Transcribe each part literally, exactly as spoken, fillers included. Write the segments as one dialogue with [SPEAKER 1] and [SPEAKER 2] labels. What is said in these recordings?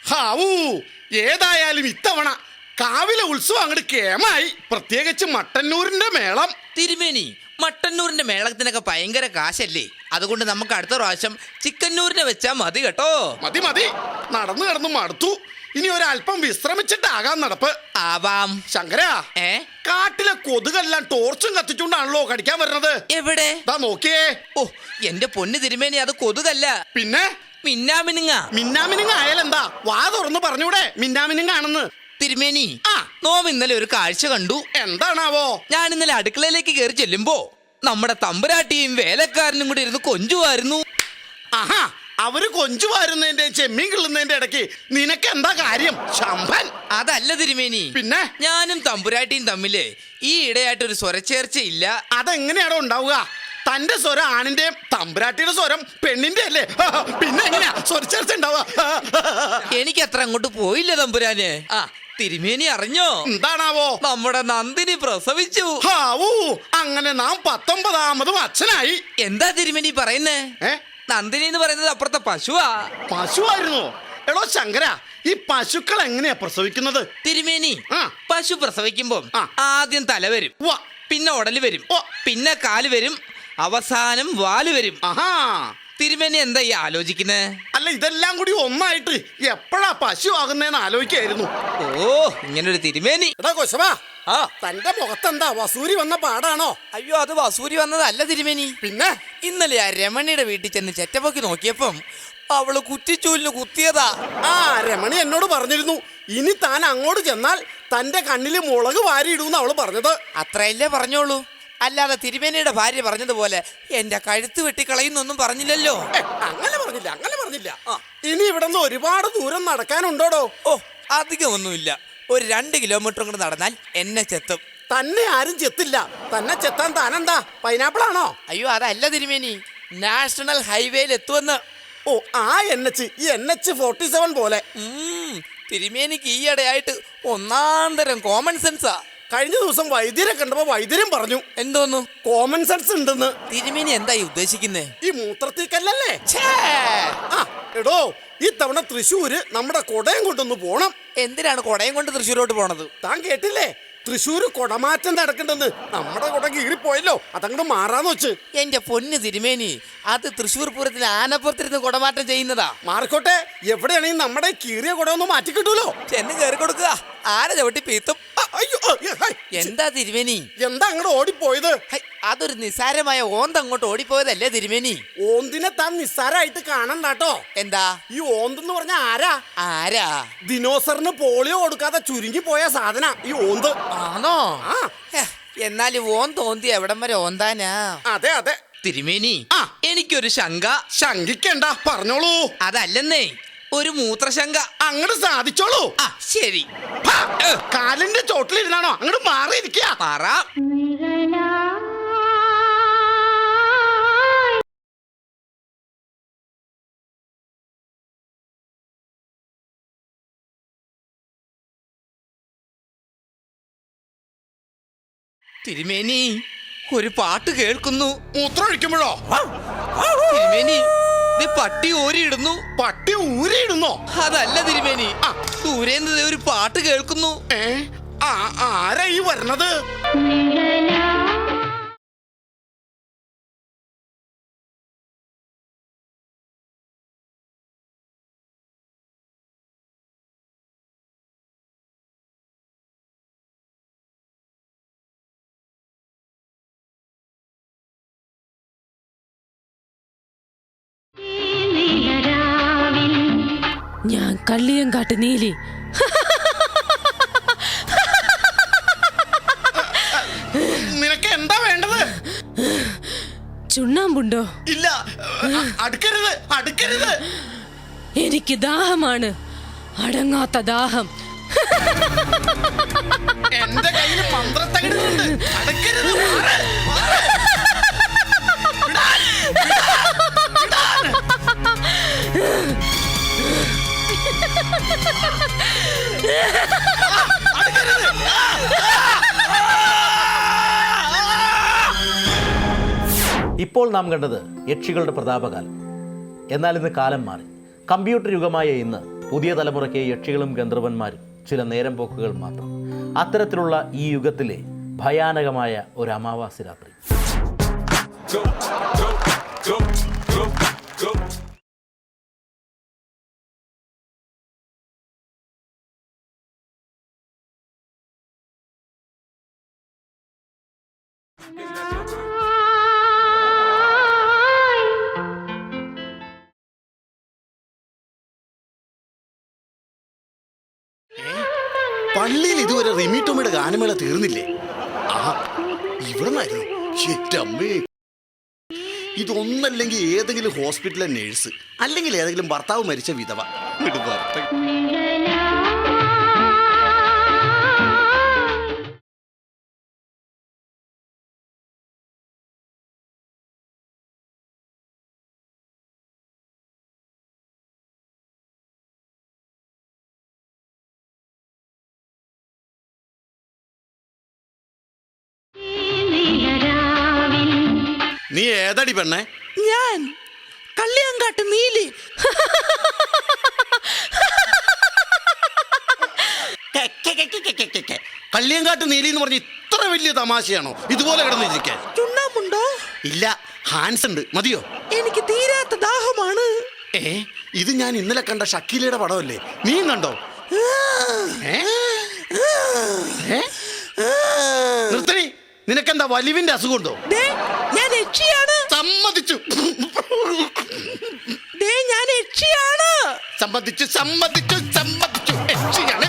[SPEAKER 1] ഹാവൂ, ഏതായാലും ഇത്തവണ കാവിലെ ഉത്സവം അങ്ങോട്ട് കേമായി. പ്രത്യേകിച്ച് മട്ടന്നൂരിന്റെ മേളം.
[SPEAKER 2] തിരുമേനി, മട്ടന്നൂരിന്റെ മേളത്തിനൊക്കെ ഭയങ്കര കാശല്ലേ? അതുകൊണ്ട് നമുക്ക് അടുത്ത പ്രാവശ്യം ചിക്കന്നൂരിനെ വെച്ചാ മതി കേട്ടോ.
[SPEAKER 1] മതി മതി, നടന്നു കിടന്നു മടുത്തു. ഇനി ഒരല്പം വിശ്രമിച്ചിട്ടാകാൻ നടപ്പ്.
[SPEAKER 2] ആവാം.
[SPEAKER 1] ശങ്കര,
[SPEAKER 2] ഏ
[SPEAKER 1] കാട്ടിലെ കൊതുകെല്ലാം ടോർച്ചും കത്തിച്ചുകൊണ്ടാണല്ലോ കടിക്കാൻ വരുന്നത്.
[SPEAKER 2] എവിടെ?
[SPEAKER 1] ദാ നോക്കിയേ.
[SPEAKER 2] ഓ, എന്റെ പൊന്ന് തിരുമേനി, അത് കൊതുകല്ല,
[SPEAKER 1] പിന്നെ
[SPEAKER 2] മിന്നാമിനുങ്ങ.
[SPEAKER 1] മിന്നാമിനുങ്ങ ആയാലെന്താ? വാ തുറന്ന് പറഞ്ഞൂടെ മിന്നാമിനുങ്ങ ആണെന്ന്.
[SPEAKER 2] തിരുമേനി,
[SPEAKER 1] ആ
[SPEAKER 2] നോം ഇന്നലെ ഒരു കാഴ്ച കണ്ടു.
[SPEAKER 1] എന്താണാവോ?
[SPEAKER 2] ഞാൻ ഇന്നലെ അടുക്കളയിലേക്ക് കയറി ചെല്ലുമ്പോ നമ്മുടെ തമ്പുരാട്ടിയും വേലക്കാരനും കൂടി ഇരുന്ന് കൊഞ്ചുമായിരുന്നു.
[SPEAKER 1] ആഹാ, അവര് കൊഞ്ചുവാരുന്നതിന്റെ ചെമ്മീൻ കിള്ളുന്നതിന്റെ ഇടയ്ക്ക് നിനക്ക് എന്താ കാര്യം ശമ്പൻ?
[SPEAKER 2] അതല്ല തിരുമേനി,
[SPEAKER 1] പിന്നെ
[SPEAKER 2] ഞാനും തമ്പുരാട്ടിയും തമ്മില് ഈ ഇടയായിട്ടൊരു സ്വരച്ചേർച്ചയില്ല.
[SPEAKER 1] അതെങ്ങനെയാണോ ഉണ്ടാവുക? തന്റെ സ്വരം ആണിന്റെയും തമ്പുരാട്ടിയുടെ സ്വരം പെണ്ണിന്റെ അല്ലേ? പിന്നെ എങ്ങനെയാ സ്വരച്ചേർച്ച ഉണ്ടാവുക?
[SPEAKER 2] എനിക്ക് അത്ര അങ്ങോട്ട് പോയില്ല തമ്പുരാന്. ആ, തിരുമേനി അറിഞ്ഞോ?
[SPEAKER 1] എന്താണാവോ?
[SPEAKER 2] നമ്മുടെ നന്ദിനി പ്രസവിച്ചു.
[SPEAKER 1] ഹാവൂ, അങ്ങനെ നാം പത്തൊമ്പതാമതും അച്ഛനായി.
[SPEAKER 2] എന്താ തിരുമേനി പറയുന്നേ?
[SPEAKER 1] ഏ,
[SPEAKER 2] നന്ദിനി എന്ന് പറയുന്നത് അപ്പുറത്തെ പശുവാ.
[SPEAKER 1] പശുവായിരുന്നോ? എടോ ശങ്കര, ഈ പശുക്കൾ എങ്ങനെയാ പ്രസവിക്കുന്നത്?
[SPEAKER 2] തിരുമേനി,
[SPEAKER 1] ആ
[SPEAKER 2] പശു പ്രസവിക്കുമ്പോ
[SPEAKER 1] ആ.
[SPEAKER 2] ആദ്യം തല വരും,
[SPEAKER 1] ഉവ്വ.
[SPEAKER 2] പിന്നെ ഉടല് വരും,
[SPEAKER 1] ഓ.
[SPEAKER 2] പിന്നെ കാല് വരും, അവസാനം വാല് വരും.
[SPEAKER 1] ആഹാ,
[SPEAKER 2] തിരുമേനി എന്താ ഈ ആലോചിക്കുന്നേ?
[SPEAKER 1] അല്ല, ഇതെല്ലാം കൂടി ഒന്നായിട്ട് എപ്പോഴാ പശു ആകുന്നേന്ന് ആലോചിക്കായിരുന്നു.
[SPEAKER 2] ഓ, ഇങ്ങനൊരു തിരുമേനി.
[SPEAKER 1] എടാ കൊശവാ,
[SPEAKER 2] ആ,
[SPEAKER 1] തന്റെ മുഖത്തെന്താ വസൂരി വന്ന പാടാണോ?
[SPEAKER 2] അയ്യോ, അത് വസൂരി വന്നതല്ല തിരുമേനി.
[SPEAKER 1] പിന്നെ
[SPEAKER 2] ഇന്നലെ ആ രമണിയുടെ വീട്ടിൽ ചെന്ന് ചെറ്റപ്പൊക്കി നോക്കിയപ്പം അവള് കുറ്റിച്ചൂലിന് കുത്തിയതാ.
[SPEAKER 1] ആ രമണി എന്നോട് പറഞ്ഞിരുന്നു, ഇനി താൻ അങ്ങോട്ട് ചെന്നാൽ തന്റെ കണ്ണില് മുളക് വാരിയിടൂന്ന് അവള് പറഞ്ഞത്.
[SPEAKER 2] അത്രയല്ലേ പറഞ്ഞോളൂ, അല്ലാതെ തിരുമേനിയുടെ ഭാര്യ പറഞ്ഞതുപോലെ എന്റെ കഴുത്ത് വെട്ടിക്കളയുന്നൊന്നും പറഞ്ഞില്ലല്ലോ.
[SPEAKER 1] ഏ, അങ്ങനെ പറഞ്ഞില്ല, അങ്ങനെ പറഞ്ഞില്ല. ഇനി ഇവിടെ നിന്ന് ഒരുപാട് ദൂരം നടക്കാനുണ്ടോടോ?
[SPEAKER 2] ഓ, അധികമൊന്നുമില്ല, ഒരു രണ്ട് കിലോമീറ്റർ കൂടെ നടന്നാൽ എന്നെ ചെത്തും.
[SPEAKER 1] തന്നെ ആരും ചെത്തില്ല. തന്നെ ചെത്താൻ താനെന്താ പൈനാപ്പിൾ ആണോ?
[SPEAKER 2] അയ്യോ, അതല്ല തിരുമേനി, നാഷണൽ ഹൈവേയിൽ എത്തുമെന്ന്.
[SPEAKER 1] ഓ, ആ എൻ എച്ച്, ഈ എൻ എച്ച് ഫോർട്ടി സെവൻ പോലെ.
[SPEAKER 2] ഉം, തിരുമേനിക്ക് ഈയിടെയായിട്ട് ഒന്നാം തരം കോമൺ സെൻസാ.
[SPEAKER 1] കഴിഞ്ഞ ദിവസം വൈദ്യരെ കണ്ടപ്പോ വൈദ്യരും പറഞ്ഞു
[SPEAKER 2] എന്തോന്നു
[SPEAKER 1] കോമൺ സെൻസ് ഉണ്ടെന്ന്.
[SPEAKER 2] തിരുമേനി എന്തായി ഉദ്ദേശിക്കുന്നേ?
[SPEAKER 1] ഈ മൂത്രത്തിക്കല്ലേ? ആ എടോ, ഈ തവണ തൃശ്ശൂര് നമ്മുടെ കൊടയം കൊണ്ടൊന്ന് പോണം.
[SPEAKER 2] എന്തിനാണ് കൊടയം കൊണ്ട് തൃശ്ശൂരോട്ട് പോണത്?
[SPEAKER 1] താൻ കേട്ടില്ലേ? തൃശ്ശൂര് കൊടമാറ്റം നടക്കണ്ടെന്ന്. നമ്മുടെ കൊട കീറിപ്പോയല്ലോ, അതങ്ങോട്ട് മാറാന്ന് വെച്ച്.
[SPEAKER 2] എന്റെ പൊന്ന് തിരുമേനി, അത് തൃശ്ശൂർ പൂരത്തിൽ ആനപ്പുറത്തിരുന്ന് കുടമാറ്റം ചെയ്യുന്നതാ.
[SPEAKER 1] മാറിക്കോട്ടെ, എവിടെയാണെങ്കിൽ നമ്മുടെ കീറിയ കുട ഒന്ന് മാറ്റി കിട്ടൂലോ.
[SPEAKER 2] ചെന്ന് കയറി കൊടുക്കുക, ആന ചവിട്ടി പീത്തും.
[SPEAKER 1] അയ്യോ,
[SPEAKER 2] എന്താ തിരുമേനി?
[SPEAKER 1] എന്താ അങ്ങോട്ട് ഓടിപ്പോയത്?
[SPEAKER 2] അതൊരു നിസ്സാരമായ ഓന്ത് അങ്ങോട്ട് ഓടിപ്പോയതല്ലേ തിരുമേനി?
[SPEAKER 1] ഓന്തിനെ താൻ നിസ്സാരായിട്ട് കാണണ്ടാട്ടോ.
[SPEAKER 2] എന്താ
[SPEAKER 1] ഈ ഓന്തെന്ന് പറഞ്ഞ ആരാ?
[SPEAKER 2] ആരാ?
[SPEAKER 1] ദിനോസറിന് പോളിയോ കൊടുക്കാതെ ചുരുങ്ങി പോയ സാധന ഈ ഓന്ത്.
[SPEAKER 2] ആണോ?
[SPEAKER 1] ആ,
[SPEAKER 2] എന്നാലും ഓൻ തോന്തി എവിടം വരെ ഓന്താനാ?
[SPEAKER 1] അതെ അതെ.
[SPEAKER 2] തിരുമേനി,
[SPEAKER 1] ആ
[SPEAKER 2] എനിക്കൊരു ശങ്ക.
[SPEAKER 1] ശങ്കിക്കണ്ട, പറഞ്ഞോളൂ.
[SPEAKER 2] അതല്ലെന്നേ, ഒരു മൂത്രശങ്ക.
[SPEAKER 1] അങ്ങോട്ട് സാധിച്ചോളൂ.
[SPEAKER 2] ആ ശരി.
[SPEAKER 1] കാലിന്റെ ചോട്ടിലിരുന്നാണോ അങ്ങോട്ട് മാറിയിരിക്കുക?
[SPEAKER 2] മാറാം. തിരുമേനി, ഒരു പാട്ട് കേൾക്കുന്നു.
[SPEAKER 1] മൂത്രം ഒഴിക്കുമ്പോഴോ?
[SPEAKER 2] തിരുമേനി, ഇത് പട്ടി ഊരിയിടുന്നു.
[SPEAKER 1] പട്ടി ഊരിയിടുന്നോ?
[SPEAKER 2] അതല്ല തിരുമേനി, ദൂരേന്ന് ഒരു പാട്ട് കേൾക്കുന്നു.
[SPEAKER 1] ഏ, ആ ആരാ ഈ വരണത്?
[SPEAKER 3] ഞാൻ കള്ളിയങ്കാട്ട് നീലി.
[SPEAKER 1] നിനക്ക് എന്താ വേണ്ടത്?
[SPEAKER 3] ചുണ്ണാമ്പുണ്ടോ?
[SPEAKER 1] ഇല്ല, അടുക്കരുത്, അടുക്കരുത്.
[SPEAKER 3] എനിക്ക് ദാഹമാണ്, അടങ്ങാത്ത ദാഹം.
[SPEAKER 1] എന്റെ കയ്യിൽ മന്ത്രത്തകിടുന്നുണ്ട്, അടുക്കരുത്.
[SPEAKER 4] ഇപ്പോൾ നാം കണ്ടത് യക്ഷികളുടെ പ്രതാപകാലം. എന്നാൽ ഇന്ന് കാലം മാറി. കമ്പ്യൂട്ടർ യുഗമായ ഇന്ന് പുതിയ തലമുറയ്ക്ക് യക്ഷികളും ഗന്ധർവന്മാരും ചില നേരം പോക്കുകൾ മാത്രം. അത്തരത്തിലുള്ള ഈ യുഗത്തിലെ ഭയാനകമായ ഒരു അമാവാസി രാത്രി.
[SPEAKER 1] പള്ളിയിൽ ഇതുവരെ റിമി ടോമിയുടെ ഗാനമേള തീർന്നില്ലേ? ആ ഇവിടെ നിന്നായിരുന്നു. ശരിയമ്മേ, ഇതൊന്നല്ലെങ്കിൽ ഏതെങ്കിലും ഹോസ്പിറ്റലിലെ നേഴ്സ്, അല്ലെങ്കിൽ ഏതെങ്കിലും ഭർത്താവ് മരിച്ച വിധവ. ഇത് ഭർത്ത- നീ ഏതടി പെണ്ണേ?
[SPEAKER 2] ഞാൻ കള്ളിയങ്കാട്ട് നീലി.
[SPEAKER 1] കള്ളിയങ്കാട്ട് നീലി എന്ന് പറഞ്ഞ് ഇത്ര വലിയ തമാശയാണോ ഇതുപോലെ കിടന്നിരിക്കാൻ?
[SPEAKER 2] ചുണ്ണാമ്പുണ്ടോ?
[SPEAKER 1] ഇല്ല, ഹാൻസ് ഉണ്ട്. മതിയോ?
[SPEAKER 2] എനിക്ക് തീരാത്ത ദാഹമാണ്.
[SPEAKER 1] ഏ ഇത് ഞാൻ ഇന്നലെ കണ്ട ഷക്കീലയുടെ പടമല്ലേ? നീ കണ്ടോ? ഏ? ഏ? നിർത്തടി, നിനക്കെന്താ വലിവിന്റെ അസുഖമുണ്ടോ?
[SPEAKER 2] ദേ, ഞാൻ യക്ഷിയാണ്.
[SPEAKER 1] സമ്മതിച്ചു
[SPEAKER 2] ദേ, ഞാൻ യക്ഷിയാണ്.
[SPEAKER 1] സമ്മതിച്ചു സമ്മതിച്ചു സമ്മതിച്ചു യക്ഷിയാണ്.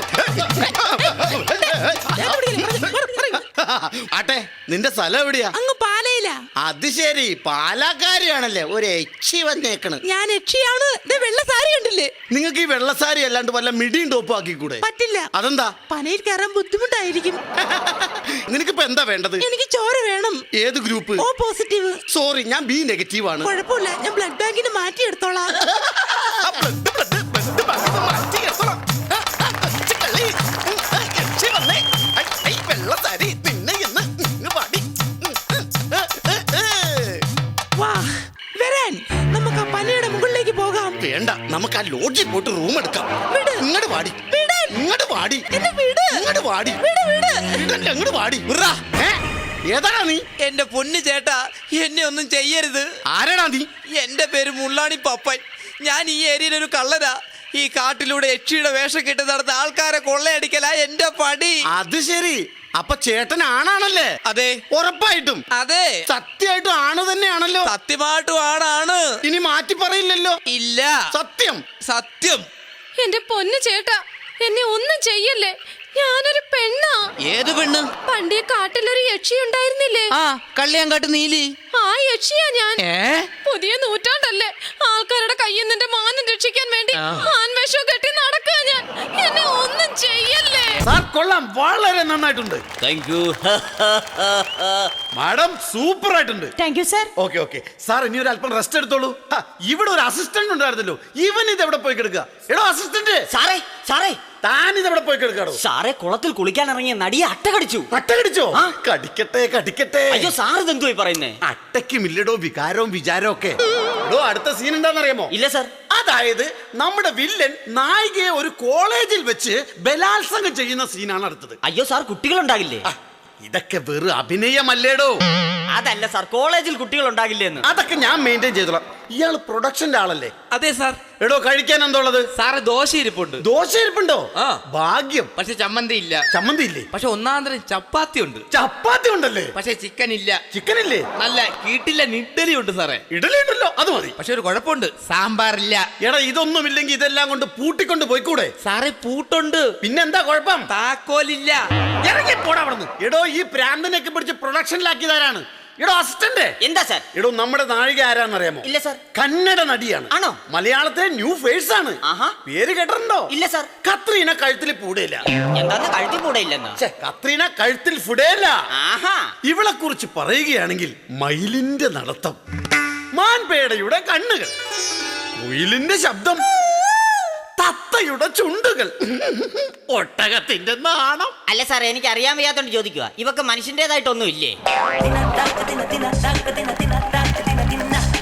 [SPEAKER 1] ആട്ടെ, നിന്റെ സ്ഥലം എവിടെയാ?
[SPEAKER 2] അങ്ങ് പാലയില.
[SPEAKER 1] അത് ശരി, പാലക്കാരിയാണല്ലേ ഒരു യക്ഷി വന്നേക്കണ്.
[SPEAKER 2] ഞാൻ യക്ഷിയാണ്. ദേ, വെള്ള സാരി കണ്ടില്ലേ?
[SPEAKER 1] നിങ്ങൾക്ക് ഈ വെള്ളസാരി അല്ലാണ്ട് വല്ല മിടിയും ടോപ്പും ആക്കിക്കൂടെ?
[SPEAKER 2] പറ്റില്ല.
[SPEAKER 1] അതെന്താ?
[SPEAKER 2] പനയിൽ കയറാൻ ബുദ്ധിമുട്ടായിരിക്കും.
[SPEAKER 1] നിനക്കിപ്പോ എന്താ വേണ്ടത്?
[SPEAKER 2] എനിക്ക് ചോര വേണം.
[SPEAKER 1] ഏത് ഗ്രൂപ്പ്?
[SPEAKER 2] O positive.
[SPEAKER 1] സോറി, ഞാൻ ബി നെഗറ്റീവ് ആണ്.
[SPEAKER 2] കുഴപ്പമില്ല, ഞാൻ ബ്ലഡ് ബാങ്കിന് മാറ്റി എടുത്തോളാം.
[SPEAKER 1] ആ, blood, blood, blood ബാങ്കിന്ന് മാറ്റി എടുത്തോളാം. ആ, ആ, കൊച്ചുകള്ളി. ഉം, ആ, യക്ഷി വന്നേ. ഐ, ഐ, വെള്ളസാരി നിന്നെ എന്ന് ഇങ്ങ് പാടി. ഉം, ഉം, ഉം, ഉം, ഉം.
[SPEAKER 2] വാ, വരാൻ. നമുക്ക് ആ പനയുടെ മുകളിലേക്ക് പോകാം.
[SPEAKER 1] വേണ്ട, നമുക്ക് ആ ലോഡ്ജിൽ പോയിട്ട് റൂം എടുക്കാം.
[SPEAKER 2] വിട്.
[SPEAKER 1] ഇങ്ങോട്ട് പാടി.
[SPEAKER 2] വിടാൻ.
[SPEAKER 1] ഇങ്ങോട്ട് പാടി.
[SPEAKER 2] എന്നെ വിട്.
[SPEAKER 1] ഇങ്ങോട്ട് പാടി.
[SPEAKER 2] വിട്, വിട്.
[SPEAKER 1] വിടണ്ട, ഇങ്ങോട്ട് പാടി. വിട്റാ. ഏ? ഏതാടാ നീ?
[SPEAKER 2] എന്റെ പൊന്നു ചേട്ടാ, എന്നെ ഒന്നും ചെയ്യരുത്.
[SPEAKER 1] ആരാടാ നീ?
[SPEAKER 2] എന്റെ പേര് മുള്ളാണി പപ്പൻ. ഞാൻ ഈ ഏരിയയിൽ ഒരു കള്ളനാ. ഈ കാട്ടിലൂടെ യക്ഷിയുടെ വേഷം കെട്ടി നടന്ന ആൾക്കാരെ കൊള്ളയടിക്കലാ എന്റെ പടി.
[SPEAKER 1] അത് ശരി, അപ്പൊ ചേട്ടൻ ആണാണല്ലേ?
[SPEAKER 2] അതെ.
[SPEAKER 1] ഉറപ്പായിട്ടും?
[SPEAKER 2] അതെ,
[SPEAKER 1] സത്യമായിട്ടും ആണ് തന്നെയാണല്ലോ.
[SPEAKER 2] സത്യമായിട്ടും ആണാണ്.
[SPEAKER 1] ഇനി മാറ്റി പറയില്ലല്ലോ?
[SPEAKER 2] ഇല്ല,
[SPEAKER 1] സത്യം
[SPEAKER 2] സത്യം.
[SPEAKER 3] എന്റെ പൊന്നു ചേട്ടാ, എന്നെ ഒന്നും ചെയ്യല്ലേ. ഞാനൊരു പെണ്ണാ.
[SPEAKER 2] ഏത് പെണ്ണ്?
[SPEAKER 3] പണ്ടേ കാട്ടിലൊരു യക്ഷി ഉണ്ടായിരുന്നില്ലേ?
[SPEAKER 2] ആ, കള്ളിയാങ്കാട്ട് നീലി.
[SPEAKER 3] ആ യക്ഷിയാ ഞാൻ.
[SPEAKER 2] ഏ?
[SPEAKER 3] പുതിയ നൂറ്റാണ്ടല്ലേ, ആൾക്കാരുടെ കയ്യിൽ നിന്റെ മാനം രക്ഷിക്കാൻ വേണ്ടി ആൺവേഷം കെട്ടി നടക്കുക ഞാൻ. എന്നെ ഒന്നും ചെയ്യല്ലേ.
[SPEAKER 1] സാർ കൊള്ളാം, വളരെ നന്നായിട്ടുണ്ട്.
[SPEAKER 5] Thank you.
[SPEAKER 1] മാഡം സൂപ്പർ ആയിട്ടുണ്ട്.
[SPEAKER 6] Thank you sir.
[SPEAKER 1] Okay okay sir, ഇനി ഒരു അല്പം റെസ്റ്റ് എടുത്തോളൂ. ആ, ഇവിടെ ഒരു അസിസ്റ്റന്റ് ഉണ്ടായിരുന്നല്ലോ, ഇവൻ ഇത് എവിടെ പോയി കിടക്കുക? എടോ അസിസ്റ്റന്റ്,
[SPEAKER 5] സാറേ സാറേ
[SPEAKER 1] താൻ ഇത് എവിടെ പോയി കിടക്കാടോ?
[SPEAKER 5] സാറേ, കുളത്തിൽ കുളിക്കാൻ ഇറങ്ങിയ നടിയെ അട്ട കടിച്ചു.
[SPEAKER 1] അട്ട കടിച്ചോ?
[SPEAKER 5] ആ.
[SPEAKER 1] കടിക്കട്ടെ കടിക്കട്ടെ.
[SPEAKER 5] അയ്യോ, സാർ ഇതെന്തുവായി പറയുന്നേ?
[SPEAKER 1] അട്ടയ്ക്കും ഇല്ലടോ വികാരവും വിചാരവും ഒക്കെ. എടോ, അടുത്ത സീൻ എന്താണെന്നറിയാമോ?
[SPEAKER 5] ഇല്ല സർ.
[SPEAKER 1] അതായത് നമ്മുടെ വില്ലൻ നായികയെ ഒരു കോളേജിൽ വെച്ച് ബലാത്സംഗം ചെയ്യുന്ന സീനാണ് അടുത്തത്.
[SPEAKER 5] അയ്യോ സാർ, കുട്ടികളുണ്ടാകില്ലേ?
[SPEAKER 1] ആ, ഇതൊക്കെ വെറും അഭിനയമല്ലേടോ?
[SPEAKER 5] അതല്ല സാർ, കോളേജിൽ കുട്ടികൾ ഉണ്ടാകില്ലെന്ന്.
[SPEAKER 1] അതൊക്കെ ഞാൻ മെയിൻറ്റെയിൻ ചെയ്തോളാം. ഇയാള് പ്രൊഡക്ഷന്റെ ആളല്ലേ?
[SPEAKER 2] അതെ സാർ.
[SPEAKER 1] എടോ, കഴിക്കാൻ എന്തോളത്?
[SPEAKER 2] സാറ് ദോശ ഇരിപ്പുണ്ട്.
[SPEAKER 1] ദോശ ഇരിപ്പുണ്ടോ?
[SPEAKER 2] ആ.
[SPEAKER 1] ഭാഗ്യം.
[SPEAKER 2] പക്ഷെ ചമ്മന്തി ഇല്ല.
[SPEAKER 1] ചമ്മന്തി ഇല്ലേ?
[SPEAKER 2] പക്ഷെ ഒന്നാം തരം ചപ്പാത്തി ഉണ്ട്.
[SPEAKER 1] ചപ്പാത്തി ഉണ്ടല്ലേ?
[SPEAKER 2] പക്ഷെ ചിക്കൻ ഇല്ല.
[SPEAKER 1] ചിക്കൻ ഇല്ലേ?
[SPEAKER 2] നല്ല കീട്ടില്ല ഇഡ്ഡലി ഉണ്ട് സാറേ.
[SPEAKER 1] ഇഡലി ഉണ്ടല്ലോ, അത് മതി.
[SPEAKER 2] പക്ഷെ ഒരു കുഴപ്പമുണ്ട്, സാമ്പാറില്ല.
[SPEAKER 1] എടാ, ഇതൊന്നും ഇല്ലെങ്കിൽ ഇതെല്ലാം കൊണ്ട് പൂട്ടിക്കൊണ്ട് പോയിക്കൂടെ?
[SPEAKER 2] സാറേ, പൂട്ടുണ്ട്.
[SPEAKER 1] പിന്നെന്താ കുഴപ്പം?
[SPEAKER 2] താക്കോലില്ല.
[SPEAKER 1] ഇറങ്ങി പോടാ അവിടുന്ന്. എടോ, ഈ പ്രാന്തനൊക്കെ പിടിച്ച് പ്രൊഡക്ഷനിലാക്കിയതാരാണ്? എടോ അസിസ്റ്റന്റ്.
[SPEAKER 5] എന്താ സാർ?
[SPEAKER 1] എടോ, നമ്മുടെ നായിക ആരാന്നറിയാമോ?
[SPEAKER 5] ഇല്ല സാർ.
[SPEAKER 1] കന്നഡ നടിയാണ്.
[SPEAKER 5] ആണോ?
[SPEAKER 1] മലയാളത്തിലെ ന്യൂ ഫേസ് ആണ്.
[SPEAKER 5] ആഹാ.
[SPEAKER 1] പേര് കേട്ടിട്ടുണ്ടോ?
[SPEAKER 5] ഇല്ല സാർ.
[SPEAKER 1] കത്രീന കഴുത്തിൽ പൂടയില്ല.
[SPEAKER 5] എന്താന്ന് കഴുത്തി കൂടെ ഇല്ലെന്ന്?
[SPEAKER 1] ഛെ, കത്രീന കഴുത്തിൽ ഫുടയില്ല.
[SPEAKER 5] ആഹാ.
[SPEAKER 1] ഇവളെ കുറിച്ച് പറയുകയാണെങ്കിൽ മയിലിന്റെ നടത്തം, മാൻപേടയുടെ കണ്ണുകൾ, കുയിലിന്റെ ശബ്ദം, തത്തയുടെ ചുണ്ടുകൾ, ഒട്ടകത്തിന്റെ നാണം.
[SPEAKER 5] അല്ല സാർ, എനിക്ക് അറിയാൻ വയ്യാത്തോണ്ട് ചോദിക്കുക. ഇവക്ക് മനുഷ്യന്റേതായിട്ടൊന്നും ഇല്ലേ?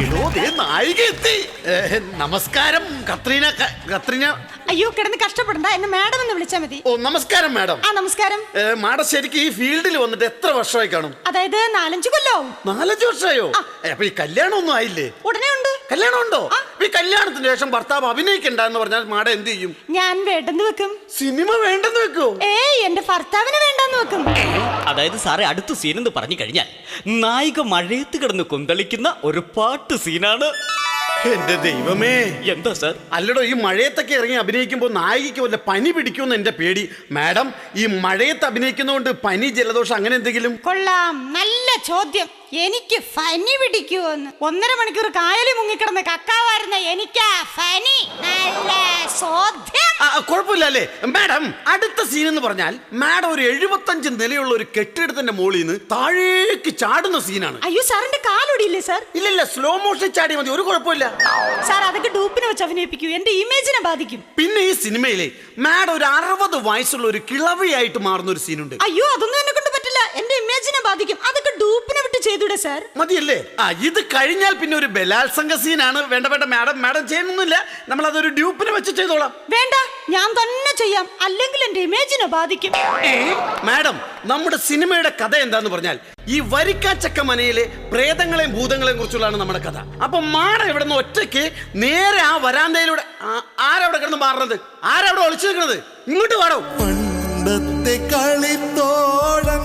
[SPEAKER 1] അയ്യോ ദേ നായിക എത്തി. ഏ, നമസ്കാരം കത്രീന ക- കത്രീന.
[SPEAKER 6] അയ്യോ കിടന്ന് കഷ്ടപ്പെടണ്ട, എന്നെ മാഡം എന്ന് വിളിച്ചാൽ മതി.
[SPEAKER 1] ഓ നമസ്കാരം മാഡം.
[SPEAKER 6] ആ നമസ്കാരം.
[SPEAKER 1] ഏ, മാഡം ശരിക്കും ഈ ഫീൽഡിൽ വന്നിട്ട് എത്ര വർഷമായി കാണും?
[SPEAKER 6] അതായത് നാലഞ്ച് കൊല്ലവും.
[SPEAKER 1] നാലഞ്ച് വർഷമായോ? ഏ, അപ്പൊ ഈ കല്യാണം ഒന്നും ആയില്ലേ?
[SPEAKER 6] ഉടനെ ഉണ്ട്.
[SPEAKER 1] കല്യാണം ഉണ്ടോ? ഈ കല്യാണത്തിന് ശേഷം ഭർത്താവ് അഭിനയിക്കണ്ട എന്ന് പറഞ്ഞാൽ മാഡം എന്ത് ചെയ്യും?
[SPEAKER 6] ഞാൻ വേണ്ടെന്ന് വെക്കും.
[SPEAKER 1] സിനിമ വേണ്ടെന്ന് വെക്കോ?
[SPEAKER 6] ഏയ് എന്റെ ഭർത്താവിന് വേണ്ടെന്ന് വെക്കും.
[SPEAKER 5] അതായത് സാറേ അടുത്ത സീൻ എന്ന് പറഞ്ഞു കഴിഞ്ഞാൽ നായിക മഴയത്ത് കിടന്ന് കൊന്തളിക്കുന്ന ഒരു പാട്ട് സീനാണ്.
[SPEAKER 1] എന്റെ ദൈവമേ.
[SPEAKER 5] എന്താ സാർ?
[SPEAKER 1] അല്ലടോ, ഈ മഴയത്തൊക്കെ ഇറങ്ങി അഭിനയിക്കുമ്പോൾ നായികയ്ക്ക് വല്ല പനി പിടിക്കുമെന്ന് എന്റെ പേടി. മാഡം ഈ മഴയത്ത് അഭിനയിക്കുന്നതുകൊണ്ട് പനി ജലദോഷം അങ്ങനെ എന്തെങ്കിലും?
[SPEAKER 6] കൊള്ളാം, നല്ല ചോദ്യം. എനിക്ക് ഫനി പിടിക്കുവോന്ന്. ഒന്നര മണിക്കൂർ കായലിൽ മുങ്ങിക്കിടന്ന് കക്കാവായിരുന്ന എനിക്കാ ഫനി. നല്ല ചോദ്യം.
[SPEAKER 1] ആ, കുഴപ്പമില്ല അല്ലേ മാഡം? അടുത്ത സീൻ എന്ന് പറഞ്ഞാൽ മാഡം ഒരു എഴുപത്തഞ്ച് നിലയുള്ള ഒരു കെട്ടിടത്തിന്റെ മുകളിൽ നിന്ന് താഴേക്ക് ചാടുന്ന സീനാണ്.
[SPEAKER 6] അയ്യോ സാറിന്റെ കാലൊടിയില്ലേ സാർ?
[SPEAKER 1] ഇല്ലില്ല, സ്ലോ മോഷൻ ചാടി മതി, ഒരു കുഴപ്പമില്ല.
[SPEAKER 6] സാർ അതൊക്കെ ഡൂപ്പിനെ വെച്ച് അഭിനയിപ്പിക്കൂ, എന്റെ ഇമേജിനെ ബാധിക്കും.
[SPEAKER 1] പിന്നെ ഈ സിനിമയിലെ മാഡം ഒരു അറുപത് വയസ്സുള്ള ഒരു കിളവിയായിട്ട് മാറുന്ന ഒരു സീനുണ്ട്.
[SPEAKER 6] അയ്യോ അതൊന്നും എന്നെ കൊണ്ട് പറ്റില്ല, എന്റെ ഇമേജിനെ ബാധിക്കും. അതൊക്കെ ഡൂപ്പിനെ വിട്ട് ചെയ്തൂടെ സാർ?
[SPEAKER 1] മതിയല്ലേ? ആ ഇത് കഴിഞ്ഞാൽ പിന്നെ ഒരു ബലാത്സംഗ സീനാണ്. വേണ്ട വേണ്ട മാഡം, മാഡം ചെയ്യുന്നില്ല, നമ്മൾ അതൊരു ഡ്യൂപ്പിനെ വെച്ച് ചെയ്തോളാം.
[SPEAKER 6] വേണ്ട, ഞാൻ തന്നെ ചെയ്യാം, അല്ലെങ്കിൽ എന്റെ ഇമേജിനെ ബാധിക്കും.
[SPEAKER 1] ഏ, മാഡം നമ്മുടെ സിനിമയുടെ കഥ എന്താന്ന് പറഞ്ഞാൽ ഈ വരിക്കാച്ചക്ക മനയിലെ പ്രേതങ്ങളെയും ഭൂതങ്ങളെയും കുറിച്ചുള്ളതാണ് നമ്മുടെ കഥ. അപ്പൊ മാഡം ഇവിടെ നിന്ന് ഒറ്റയ്ക്ക് നേരെ ആ വരാന്തയിലൂടെ ആ- ആരവിടെ കിടന്ന് മാറുന്നത്? ആരവിടെ ഒളിച്ചു നിൽക്കുന്നത്? ഇങ്ങോട്ട് പാടോ.
[SPEAKER 7] പണ്ടത്തെ കളിത്തോഴൻ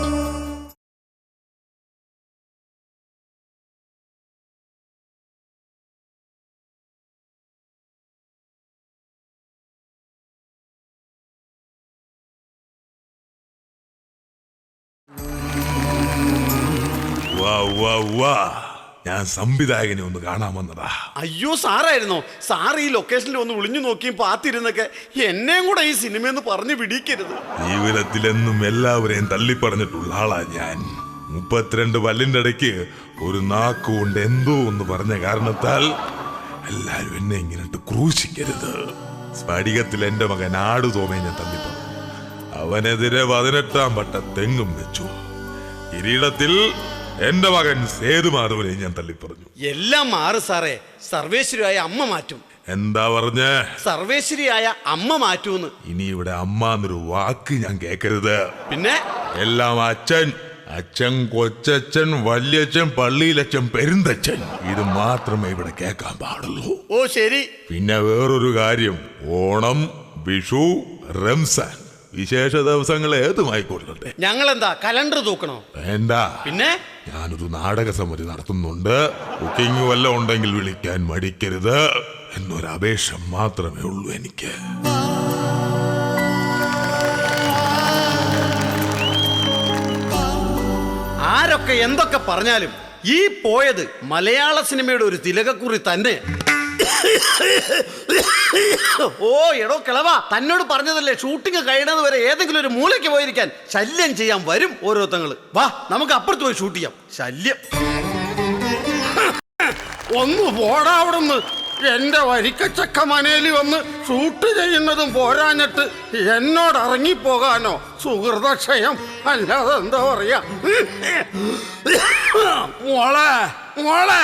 [SPEAKER 8] വാ വാ വാ, ഞാൻ സംവിധായകനെ ഒന്ന് കാണാൻ വന്നതാ.
[SPEAKER 1] അയ്യോ സാറായിരുന്നോ? സാർ ഈ ലൊക്കേഷനിൽ ഒന്ന് വിളിഞ്ഞു നോക്കിയും പാത്തിരുന്നൊക്കെ എന്നെയും കൂടെ ഈ സിനിമയെന്ന് പറഞ്ഞു പിടിക്കരുത്.
[SPEAKER 8] ജീവിതത്തിലെന്നും എല്ലാവരെയും തള്ളിപ്പറഞ്ഞിട്ടുള്ള ആളാ ഞാൻ. മുപ്പത്തിരണ്ട് പല്ലിന്റെ ഇടയ്ക്ക് ഒരു നാക്കുകൊണ്ട് എന്തോ എന്ന് പറഞ്ഞ കാരണത്താൽ എല്ലാരും എന്നെ ഇങ്ങനെ ക്രൂശിക്കരുത്. സ്ഫടികത്തിൽ എന്റെ മകൻ ആടു തോമയെ ഞാൻ തള്ളിപ്പറഞ്ഞു. അവനെതിരെ പതിനെട്ടാം വട്ട തെങ്ങും വെച്ചു. കിരീടത്തിൽ എന്റെ മകൻ സേതുമാധവനെ ഞാൻ തള്ളിപ്പറഞ്ഞു.
[SPEAKER 1] എല്ലാം മാറ് സാറേ, സർവേശ്വരിയായ അമ്മ മാറ്റും.
[SPEAKER 8] എന്താ പറഞ്ഞേ?
[SPEAKER 1] സർവേശ്വരിയായ അമ്മ മാറ്റൂന്ന്.
[SPEAKER 8] ഇനി ഇവിടെ അമ്മ എന്നൊരു വാക്ക് ഞാൻ കേൾക്കരുത്.
[SPEAKER 1] പിന്നെ
[SPEAKER 8] എല്ലാം അച്ഛൻ, അച്ഛൻ, കൊച്ചച്ഛൻ, വല്യച്ഛൻ, പള്ളിയിലച്ഛൻ, പെരുന്തച്ഛൻ, ഇത് മാത്രമേ ഇവിടെ കേൾക്കാൻ പാടുള്ളൂ.
[SPEAKER 1] ഓ ശരി.
[SPEAKER 8] പിന്നെ വേറൊരു കാര്യം, ഓണം, വിഷു, റംസാൻ വിശേഷ ദിവസങ്ങൾ ഏതുമായിക്കൊള്ളട്ടെ.
[SPEAKER 1] ഞങ്ങൾ എന്താ കലണ്ടർ തൂക്കണോ?
[SPEAKER 8] വേണ്ട.
[SPEAKER 1] പിന്നെ
[SPEAKER 8] ഞാനൊരു നാടക സമിതി നടത്തുന്നുണ്ട്. ബുക്കിംഗ് വല്ലതും ഉണ്ടെങ്കിൽ വിളിക്കാൻ മടിക്കരുത് എന്നൊരു അപേക്ഷ മാത്രമേ ഉള്ളൂ എനിക്ക്.
[SPEAKER 1] ആരൊക്കെ എന്തൊക്കെ പറഞ്ഞാലും ഈ പോയത് മലയാള സിനിമയുടെ ഒരു തിലകക്കുറി തന്നെ. ഓ എടോ കിളവാ, തന്നോട് പറഞ്ഞതല്ലേ ഷൂട്ടിംഗ് കഴിയുന്നത് വരെ ഏതെങ്കിലും ഒരു മൂലയ്ക്ക് പോയിരിക്കാൻ. ശല്യം ചെയ്യാൻ വരും ഓരോരുത്തങ്ങള്. വാ നമുക്ക് അപ്പുറത്ത് പോയി ഷൂട്ട് ചെയ്യാം. ശല്യം ഒന്ന് പോടാ അവിടുന്ന്. എന്റെ വരിക്കച്ചക്ക മനയിൽ വന്ന് ഷൂട്ട് ചെയ്യുന്നതും പോരാഞ്ഞിട്ട് എന്നോട് ഇറങ്ങിപ്പോകാനോ? സുഹൃതക്ഷയം അല്ലാതെ എന്താ പറയാ. മോളെ മോളെ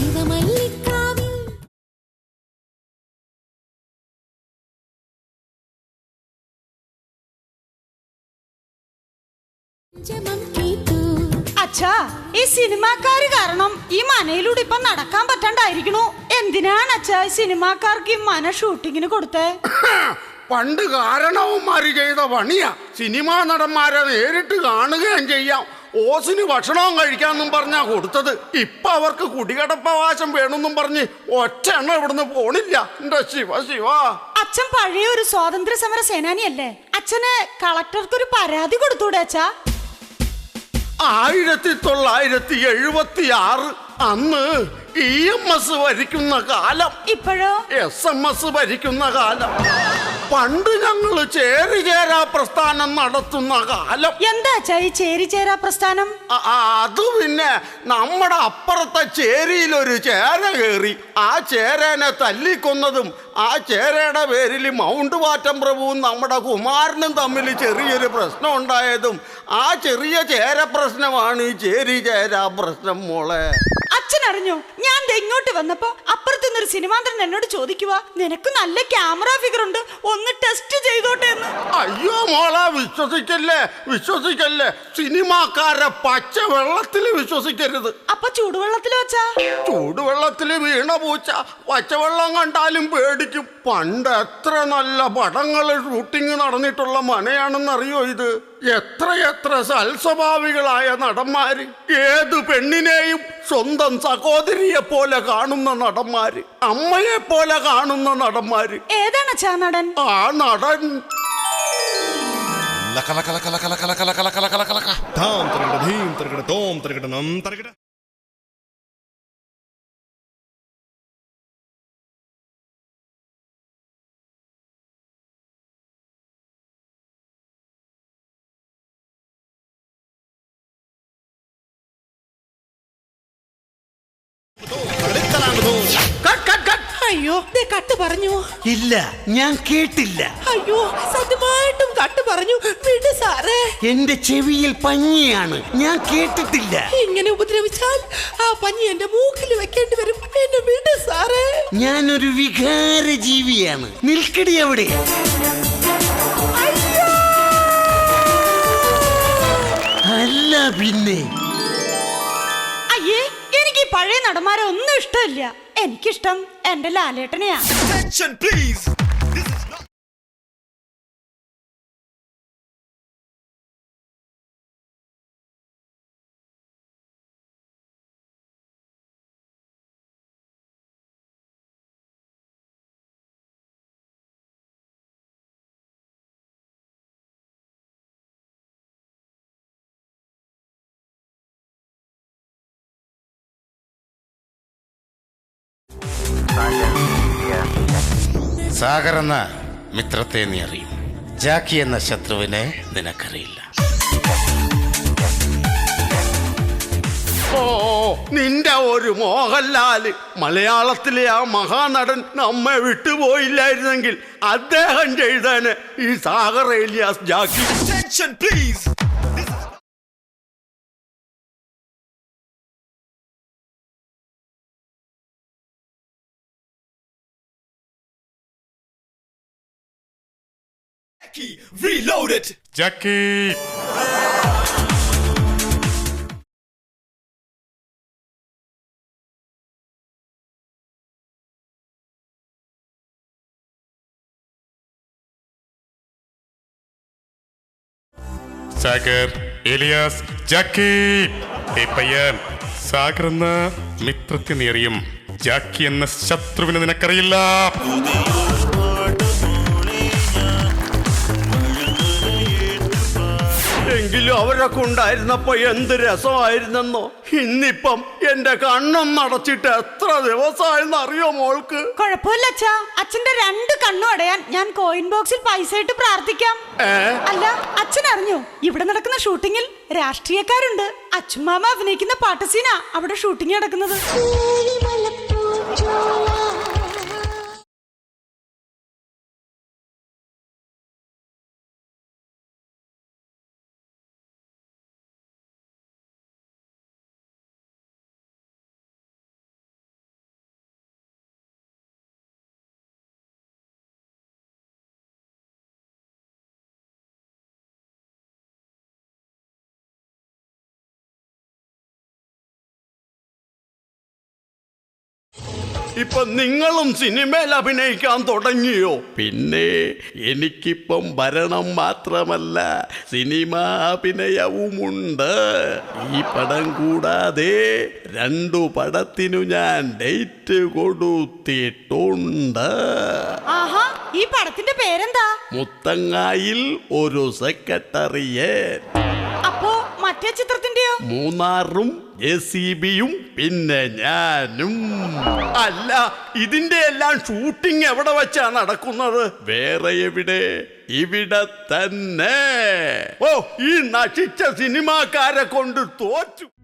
[SPEAKER 6] അച്ഛാ, ഈ സിനിമാക്കാര് കാരണം ഈ മനയിലൂടെ ഇപ്പൊ നടക്കാൻ പറ്റാണ്ടായിരിക്കണു. എന്തിനാണ് അച്ഛാ ഈ സിനിമാക്കാർക്ക് ഈ മന ഷൂട്ടിങ്ങിന് കൊടുത്തേ?
[SPEAKER 1] പണ്ട് കാരണവന്മാര് ചെയ്ത പണിയാ. സിനിമാ നടന്മാരെ നേരിട്ട് കാണുകയും ചെയ്യാം, ഓസിന് ഭക്ഷണവും കഴിക്കാന്നും പറഞ്ഞാ കൊടുത്തത്. ഇപ്പൊ അവർക്ക് കുടികടപ്പവകാശം വേണമെന്നും പറഞ്ഞ് ഒറ്റ എണ്ണം ഇവിടുന്ന് പോണില്ല. എന്റെ ശിവ ശിവ.
[SPEAKER 6] അച്ഛൻ പഴയ ഒരു സ്വാതന്ത്ര്യ സമര സേനാനിയല്ലേ? അച്ഛന് കളക്ടർക്ക് ഒരു പരാതി കൊടുത്തൂടെ അച്ഛാ?
[SPEAKER 1] ആയിരത്തി തൊള്ളായിരത്തി എഴുപത്തി ആറ് അന്ന് ഇ എം എസ് ഭരിക്കുന്ന കാലം,
[SPEAKER 6] ഇപ്പോഴോ
[SPEAKER 1] എസ് എം എസ് ഭരിക്കുന്ന കാലം, പണ്ട് ഞങ്ങള് ചേരിചേരാ പ്രസ്ഥാനം നടത്തുന്ന കാലം.
[SPEAKER 6] എന്താ അച്ഛാ ഈ ചേരിചേരാ പ്രസ്ഥാനം?
[SPEAKER 1] അ- ആ, അത് പിന്നെ നമ്മുടെ അപ്പുറത്തെ ചേരിയിലൊരു ചേര കയറി ആ ചേരനെ തല്ലിക്കൊന്നതും ആ ചേരയുടെ പേരിൽ മൗണ്ട് വാറ്റം പ്രഭുവും നമ്മുടെ കുമാരനും തമ്മിൽ ചെറിയൊരു പ്രശ്നം ഉണ്ടായതും ആ ചെറിയ ചേര പ്രശ്നമാണ് ഈ ചേരി ചേരാ പ്രശ്നം. മോളെ
[SPEAKER 6] അച്ഛൻ അറിഞ്ഞോ, ഞാൻ ദേ ഇങ്ങോട്ട് വന്നപ്പോ അപ്പുറത്തുനിന്നൊരു സിനിമാന്തരൻ എന്നോട് ചോദിക്കുക, നിനക്ക് നല്ല ക്യാമറ ഫിഗർ ഉണ്ട്, ഒന്ന് ടെസ്റ്റ് ചെയ്തോട്ടെ എന്ന്.
[SPEAKER 1] അയ്യോ മോളെ, വിശ്വസിക്കല്ലേ വിശ്വസിക്കല്ലേ സിനിമാക്കാരെ പച്ച വെള്ളത്തില് വിശ്വസിക്കരുത്.
[SPEAKER 6] അപ്പൊ ചൂടുവെള്ളത്തിൽ വെച്ചാ?
[SPEAKER 1] ചൂടുവെള്ളത്തില് വീണ പൂച്ച പച്ചവെള്ളം കണ്ടാലും പേടിക്കും. പണ്ട് എത്ര നല്ല പടങ്ങള് ഷൂട്ടിംഗ് നടന്നിട്ടുള്ള മനയാണെന്നറിയോ ഇത്? എത്രയെത്ര സൽസ്വഭാവികളായ നടന്മാര്, ഏത് പെണ്ണിനെയും സ്വന്തം സഹോദരിയെ പോലെ കാണുന്ന നടന്മാര്, അമ്മയെ പോലെ കാണുന്ന നടന്മാര്.
[SPEAKER 6] ഏതാണ് ചാ നടൻ?
[SPEAKER 1] ആ നടൻ
[SPEAKER 7] ലക ലക ലക ലക ലക ലക ലക ലക ലക ലക.
[SPEAKER 9] ധാം തരകട ധീം തരകട തോം തരകട നം തരകട.
[SPEAKER 10] അയ്യോ, ദേ കട്ട് പറഞ്ഞു.
[SPEAKER 1] ഇല്ല, ഞാൻ കേട്ടില്ല.
[SPEAKER 10] അയ്യോ, സത്യമായിട്ടും കട്ട് പറഞ്ഞു. വിട് സാറേ,
[SPEAKER 1] എന്റെ ചെവിയിൽ പഞ്ഞിയാണ്, ഞാൻ കേട്ടിട്ടില്ല.
[SPEAKER 10] ഇങ്ങനെ ഉപദ്രവിച്ചാൽ ആ പഞ്ഞി എന്റെ മൂക്കിൽ വെക്കേണ്ടി വരും. എന്നെ വിട് സാറേ.
[SPEAKER 1] ഞാനൊരു വികാര ജീവിയാണ്. നിൽക്കടി അവിടെ. അല്ല പിന്നെ.
[SPEAKER 6] അയ്യേ, എനിക്ക് ഈ പഴയ നടന്മാരെ ഒന്നും ഇഷ്ടമില്ല. എനിക്കിഷ്ടം എന്റെ ലാലേട്ടനെയാ.
[SPEAKER 11] സാഗർ എന്ന മിത്രത്തെ നീ അറിയും, ജാക്കി എന്ന ശത്രുവിനെ നിനക്കറിയില്ല.
[SPEAKER 1] ഓ, നിന്റെ ഒരു മോഹൻലാല് മലയാളത്തിലെ ആ മഹാനടൻ നമ്മെ വിട്ടുപോയില്ലായിരുന്നെങ്കിൽ അദ്ദേഹം ചെയ്തേനെ ഈ സാഗർ ഏലിയാസ് ജാക്കി.
[SPEAKER 9] Reloaded.
[SPEAKER 11] ജാക്കി സാഗർ ഏലിയാസ് ജാക്കി. ഏ പയ്യൻ, സാഗർ എന്ന മിത്രത്തെ നീ അറിയും, ജാക്കി എന്ന ശത്രുവിനെ നിനക്കറിയില്ല.
[SPEAKER 1] എങ്കിലും അവരൊക്കെ ഉണ്ടായിരുന്നപ്പോ എന്ത് രസമായിരുന്നെന്നോ. ഇന്നിപ്പം എന്റെ കണ്ണും നടച്ചിട്ട് എത്ര ദിവസമായെന്ന് അറിയോ മോൾക്ക്?
[SPEAKER 6] കുഴപ്പമില്ല അച്ഛാ, അച്ഛന്റെ രണ്ട് കണ്ണും അടയാൻ ഞാൻ കോയിൻ ബോക്സിൽ പൈസ ഇട്ട് പ്രാർത്ഥിക്കാം. അല്ല, അച്ഛൻ അറിഞ്ഞോ, ഇവിടെ നടക്കുന്ന ഷൂട്ടിങ്ങിൽ രാഷ്ട്രീയക്കാരുണ്ട്. അച്ഛമാമ അഭിനയിക്കുന്ന പാട്ട് സീനാ അവിടെ ഷൂട്ടിംഗ് നടക്കുന്നത്.
[SPEAKER 1] ഇപ്പൊ നിങ്ങളും സിനിമയിൽ അഭിനയിക്കാൻ തുടങ്ങിയോ? പിന്നെ എനിക്കിപ്പം ഭരണം മാത്രമല്ല സിനിമാ അഭിനയവുമുണ്ട്. ഈ പടം കൂടാതെ രണ്ടു പടത്തിനു ഞാൻ ഡേറ്റ് കൊടുത്തിട്ടുണ്ട്.
[SPEAKER 6] ആഹാ, ഈ പടത്തിന്റെ പേരെന്താ?
[SPEAKER 1] മുത്തങ്ങായിൽ ഒരു സെക്രട്ടറിയേറ്റ്.
[SPEAKER 6] അപ്പോ മറ്റേ ചിത്രത്തിന്റെയോ?
[SPEAKER 1] മൂന്നാറും ജെ സി ബിയും പിന്നെ ഞാനും. അല്ല, ഇതിന്റെ എല്ലാം ഷൂട്ടിംഗ് എവിടെ വെച്ചാ നടക്കുന്നത്? വേറെ എവിടെ, ഇവിടെ തന്നെ. ഓ, ഈ നശിച്ച സിനിമാക്കാരെ കൊണ്ട് തോറ്റു.